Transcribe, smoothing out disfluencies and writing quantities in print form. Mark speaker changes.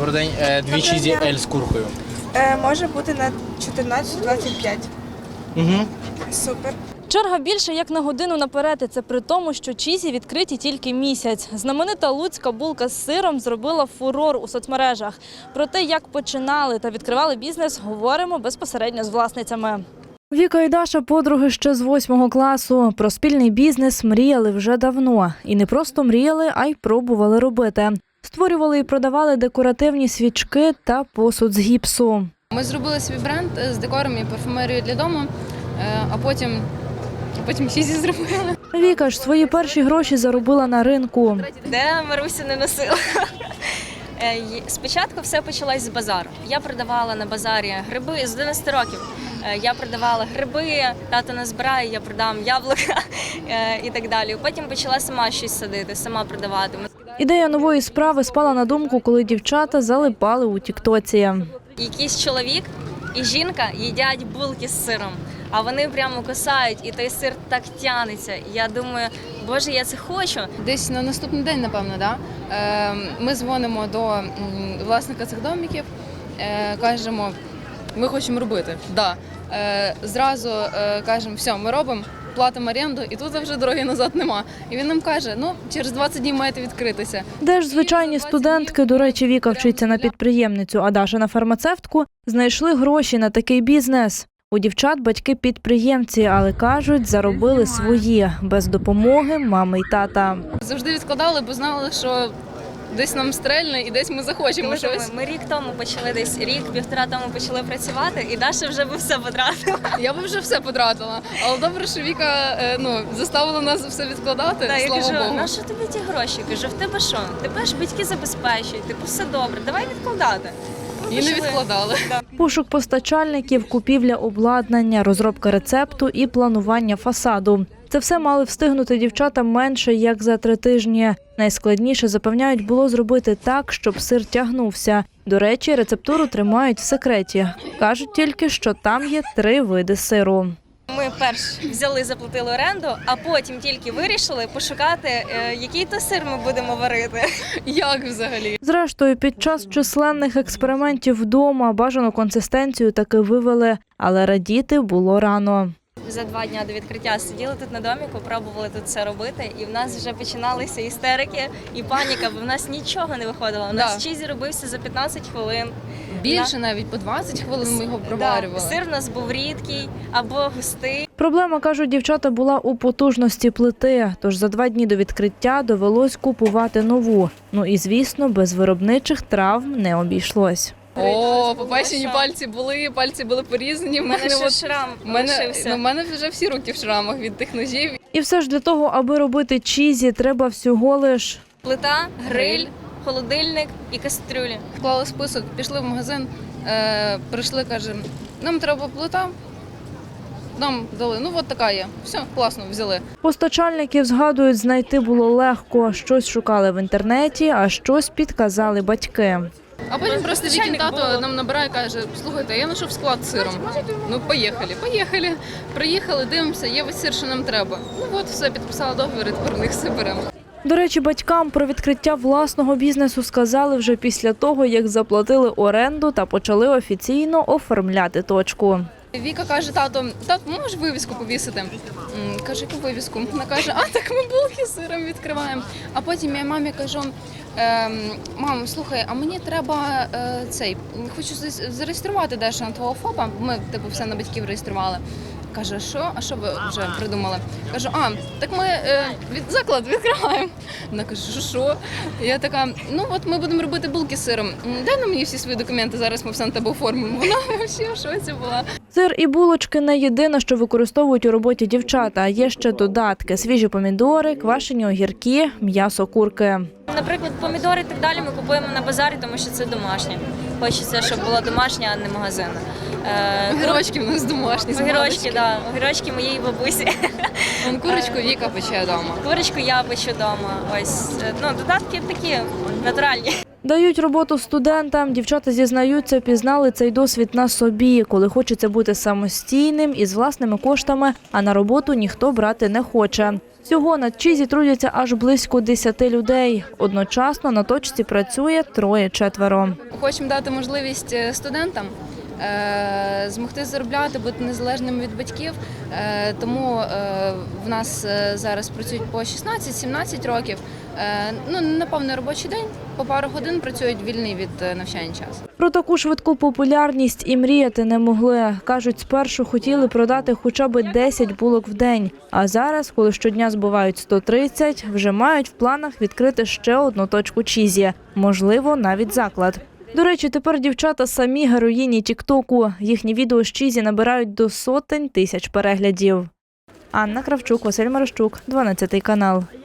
Speaker 1: Добрий день. Дві чізі Ель з куркою.
Speaker 2: Може бути на 14-25.
Speaker 1: Угу.
Speaker 2: Супер.
Speaker 3: Черга більше як на годину наперед, і це при тому, що чізі відкриті тільки місяць. Знаменита луцька булка з сиром зробила фурор у соцмережах. Про те, як починали та відкривали бізнес, говоримо безпосередньо з власницями. Віка і Даша – подруги ще з 8 класу. Про спільний бізнес мріяли вже давно. І не просто мріяли, а й пробували робити. Створювали і продавали декоративні свічки та посуд з гіпсу.
Speaker 4: Ми зробили свій бренд з декором і парфумерією для дому, а потім чізі зробили.
Speaker 3: Віка ж свої перші гроші заробила на ринку.
Speaker 5: Де Маруся не носила. Спочатку все почалось з базару. Я продавала на базарі гриби з 11 років. Я продавала гриби, тато назбирає, я продам яблука і так далі. Потім почала сама щось садити, сама продавати.
Speaker 3: Ідея нової справи спала на думку, коли дівчата залипали у тіктоці.
Speaker 5: Якийсь чоловік і жінка їдять булки з сиром, а вони прямо кусають, і той сир так тянеться. Я думаю, боже, я це хочу.
Speaker 4: Десь на наступний день, напевно, да? Ми дзвонимо до власника цих домиків, кажемо, ми хочемо робити. Да. Зразу кажемо, все, ми робимо, платимо оренду, і тут вже дороги назад нема. І він нам каже, через 20 днів маєте відкритися.
Speaker 3: Де ж звичайні студентки, до речі, Віка вчиться на підприємницю, а Даша на фармацевтку, знайшли гроші на такий бізнес. У дівчат батьки підприємці, але кажуть, заробили свої, без допомоги мами й тата.
Speaker 4: Завжди відкладали, бо знали, що десь нам стрельне і десь ми захочемо щось.
Speaker 5: Ми рік тому почали, десь рік-півтора тому почали працювати, і Даша вже би все потратила.
Speaker 4: Я би вже все потратила, але добре, що Віка заставила нас все відкладати,
Speaker 5: Так,
Speaker 4: слава
Speaker 5: я кажу,
Speaker 4: Богу.
Speaker 5: на що тобі ті гроші? Кажу, в тебе що? Тебе ж батьки забезпечують, типу все добре, давай відкладати.
Speaker 4: І не відкладали.
Speaker 3: Пошук постачальників, купівля обладнання, розробка рецепту і планування фасаду. Це все мали встигнути дівчата менше, як за 3 тижні. Найскладніше, запевняють, було зробити так, щоб сир тягнувся. До речі, рецептуру тримають в секреті. Кажуть тільки, що там є 3 види сиру.
Speaker 5: Ми перш взяли, заплатили оренду, а потім тільки вирішили пошукати, який то сир ми будемо варити.
Speaker 4: Як взагалі?
Speaker 3: Зрештою, під час численних експериментів вдома бажану консистенцію таки вивели, але радіти було рано.
Speaker 5: За 2 дні до відкриття сиділи тут на доміку, пробували тут все робити, і в нас вже починалися істерики і паніка, бо в нас нічого не виходило. У нас чізі робився за 15 хвилин.
Speaker 4: Більше навіть по 20 хвилин ми його проварювали.
Speaker 5: Сир у нас був рідкий або густий.
Speaker 3: Проблема, кажуть дівчата, була у потужності плити, тож за 2 дні до відкриття довелось купувати нову. Ну і, звісно, без виробничих травм не обійшлось.
Speaker 4: О, попечені пальці були порізані.
Speaker 5: У мене ще шрам лишився.
Speaker 4: У мене вже всі руки в шрамах від тих ножів.
Speaker 3: І все ж для того, аби робити чізі, треба всього лиш
Speaker 5: Плита, гриль, холодильник і кастрюлі.
Speaker 4: Вклали список, пішли в магазин, прийшли, кажемо, нам треба плита. Нам дали, от така є. Все, класно, взяли.
Speaker 3: Постачальників, згадують, знайти було легко. Щось шукали в інтернеті, а щось підказали батьки.
Speaker 4: А потім просто Вікін тато нам набирає і каже, слухайте, я знайшов склад з сиром. Поїхали. Приїхали, дивимося, є весь сир, що нам треба. Все, підписала договір, і тепер в них все беремо.
Speaker 3: До речі, батькам про відкриття власного бізнесу сказали вже після того, як заплатили оренду та почали офіційно оформляти точку.
Speaker 4: Віка каже, тато, можеш вивіску повісити? Каже, яку вивіску? Вона каже, так ми булки з сиром відкриваємо. А потім я мамі кажу, мам, слухай, а мені треба хочу зареєструвати дещо на твого ФОПа. Ми все на батьків реєстрували. Каже, що? А що ви вже придумали? Кажу, так ми заклад відкриваємо. Вона каже, що? Я така, ми будемо робити булки з сиром. Дай на мені всі свої документи, зараз ми все на тебе оформимо. Вона взагалі в шоці була.
Speaker 3: Сир і булочки – не єдине, що використовують у роботі дівчата, а є ще додатки – свіжі помідори, квашені огірки, м'ясо курки.
Speaker 5: Наприклад, помідори і так далі ми купуємо на базарі, тому що це домашнє. Хочеться, щоб було домашнє, а не магазинне.
Speaker 4: Огірочки в нас домашні.
Speaker 5: Огірочки моєї бабусі.
Speaker 4: Курочку Віка пече вдома.
Speaker 5: Курочку я печу вдома. Ось, додатки такі натуральні.
Speaker 3: Дають роботу студентам. Дівчата зізнаються, пізнали цей досвід на собі, коли хочеться бути самостійним і з власними коштами, а на роботу ніхто брати не хоче. Всього на Чізі трудяться аж близько 10 людей. Одночасно на точці працює 3-4.
Speaker 4: Хочемо дати можливість студентам змогти заробляти, бути незалежними від батьків. Тому в нас зараз працюють по 16-17 років. На повний робочий день, по пару годин працюють вільний від навчання час.
Speaker 3: Про таку швидку популярність і мріяти не могли. Кажуть, спершу хотіли продати хоча б 10 булок в день. А зараз, коли щодня збувають 130, вже мають в планах відкрити ще одну точку Чізі. Можливо, навіть заклад. До речі, тепер дівчата самі героїні тік-току. Їхні відео з Чізі набирають до сотень тисяч переглядів. Анна Кравчук, Василь Марищук, 12 канал.